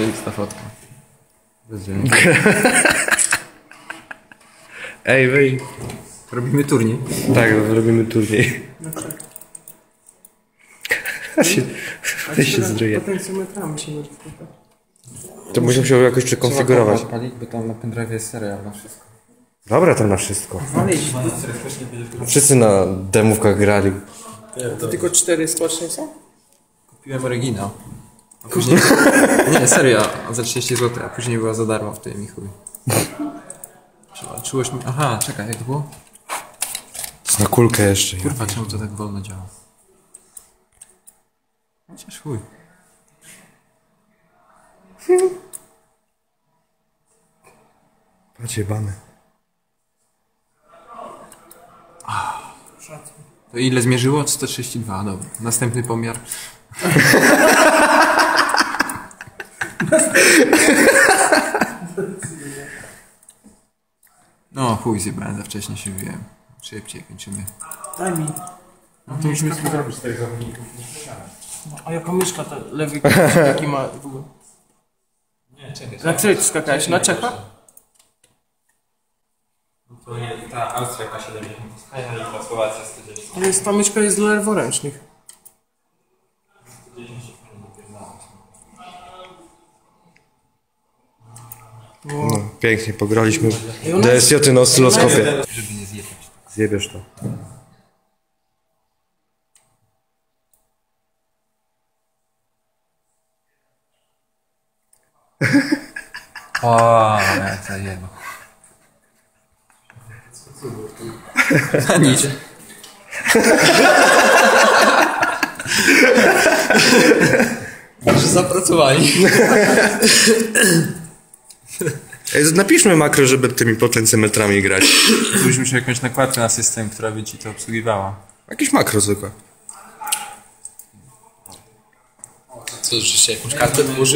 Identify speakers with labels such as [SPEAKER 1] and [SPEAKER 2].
[SPEAKER 1] ta fotka.
[SPEAKER 2] Ej, wej.
[SPEAKER 1] Robimy turniej.
[SPEAKER 2] Tak, robimy turniej.
[SPEAKER 3] No tak.
[SPEAKER 2] Weź się zryje.
[SPEAKER 3] Potencjometrami się modyfikuje.
[SPEAKER 2] To byś musiał jakoś przekonfigurować.
[SPEAKER 1] Odpalić, bo tam na pendrive jest serial na wszystko.
[SPEAKER 2] Dobra, to na wszystko.
[SPEAKER 3] Walić.
[SPEAKER 2] Wszyscy na demówkach grali.
[SPEAKER 3] To tylko 4 skoczne są?
[SPEAKER 1] Kupiłem oryginał. A później... Nie, serio, za 30 zł, a później była za darmo w tym i chuj. Czułość mi... Aha, czekaj, jak to było?
[SPEAKER 2] Na kulkę jeszcze.
[SPEAKER 1] Kurwa, czemu to tak wolno działa? Chociaż chuj.
[SPEAKER 2] Patrz, jebany.
[SPEAKER 1] To ile zmierzyło? 132, dobra. Następny pomiar. No chuj, zjebałem, za wcześnie się wziąłem. Szybciej kończymy.
[SPEAKER 3] Daj mi.
[SPEAKER 4] No to musimy zrobić 4 zawodników.
[SPEAKER 3] A jaka myszka ta lewy jaki ma w ogóle?
[SPEAKER 4] Nie, czekaj.
[SPEAKER 3] Na której ty skakałeś? Na Czecha?
[SPEAKER 4] To nie, ta Austria K70 jest fajna i ta Słowacja 110.
[SPEAKER 3] Ale ta myszka jest dla leworęcznych.
[SPEAKER 2] No, pięknie, pograliśmy.
[SPEAKER 3] I ona jest-
[SPEAKER 2] DSJ na oscyloskopie.
[SPEAKER 1] Żeby nie zjechać.
[SPEAKER 2] Zjebiesz to.
[SPEAKER 1] O, jak zajebał. Na nic. Może zapracowali.
[SPEAKER 2] Ej, napiszmy makro, żeby tymi potencjometrami grać.
[SPEAKER 1] Byśmy musieli jakąś nakładkę na system, która by ci to obsługiwała.
[SPEAKER 2] Jakieś makro zwykłe.
[SPEAKER 1] Co, że się jakąś kartę wyłożył?